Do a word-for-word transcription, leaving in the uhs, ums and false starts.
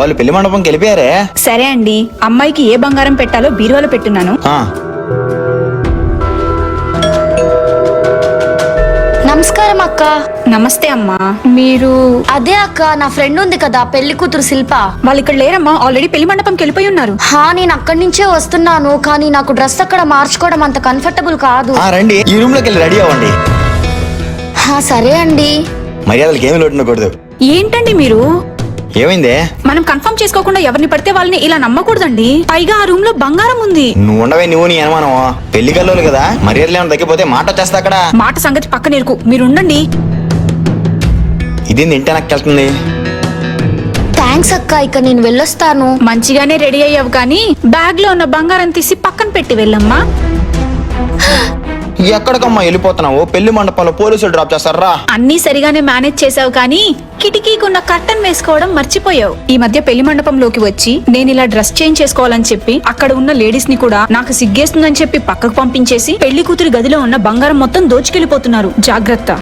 వాళ్ళు పెళ్లి మండపంకి వెళ్ళిపోయారే. సరే అండి, అమ్మాయికి ఏ బంగారం పెట్టాలో బీరువాలో పెట్టున్నాను. ఆ, నమస్కారం అక్క. నమస్తే అమ్మా. మీరు అదే అక్క, నా ఫ్రెండ్ ఉంది కదా పెళ్లి కూతురు శిల్ప. వాళ్ళు ఇక్కడ లేరమ్మా, ఆల్రెడీ పెళ్లి మండపంకి వెళ్ళిపోయి ఉన్నారు. హా, నేను అక్కడి నుంచే వస్తున్నాను, కానీ నాకు డ్రెస్ అక్కడ మార్చుకోవడం అంత కంఫర్టబుల్ కాదు. ఆ రండి, ఈ రూమ్ లోకి వెళ్ళి రెడీ అవ్వండి. హా సరే అండి. మర్యాదలకి ఏమి లోటు ఉండకూడదు. ఏంటండి మీరు? ఏమైందే? మనం కన్ఫర్మ్ చేసుకోకుండా ఎవరిని పడితే వాళ్ళని ఇలా నమ్మకూడదండి. పైగా ఆ రూమ్ లో బంగారం ఉంది. నువ్వు ఉండవే, నువ్వు నీ అనుమానం. పెళ్లి కల్లోలు కదా, మర్యాదలు ఏమైనా తగ్గిపోతే మాట వచ్చేస్తా అక్కడ. మాట సంగతి పక్కన ఇరుకు, మీరు ఉండండి. ఇది ఇంటి వెనక్కెళ్తుంది. థ్యాంక్స్ అక్క, ఇక నేను వెళ్ళొస్తాను. మంచిగానే రెడీ అయ్యావు, కానీ బ్యాగ్ లో ఉన్న బంగారం తీసి పక్కన పెట్టి వెళ్ళమ్మా. ఎక్కడికమ్మా వెళ్ళిపోతున్నావు? పెళ్లి మండపంలో పోలీసులు డ్రాప్ చేస్తారా? అన్నీ సరిగానే మేనేజ్ చేసావు, కానీ కిటికీకున్న కర్టన్ వేసుకోవడం మర్చిపోయావు. ఈ మధ్య పెళ్లి మండపంలోకి వచ్చి నేను ఇలా డ్రెస్ చేంజ్ చేసుకోవాలని చెప్పి అక్కడ ఉన్న లేడీస్ ని కూడా నాకు సిగ్గేస్తుందని చెప్పి పక్కకు పంపించేసి పెళ్లి కూతురి గదిలో ఉన్న బంగారం మొత్తం దోచుకెళ్లిపోతున్నారు. జాగ్రత్త.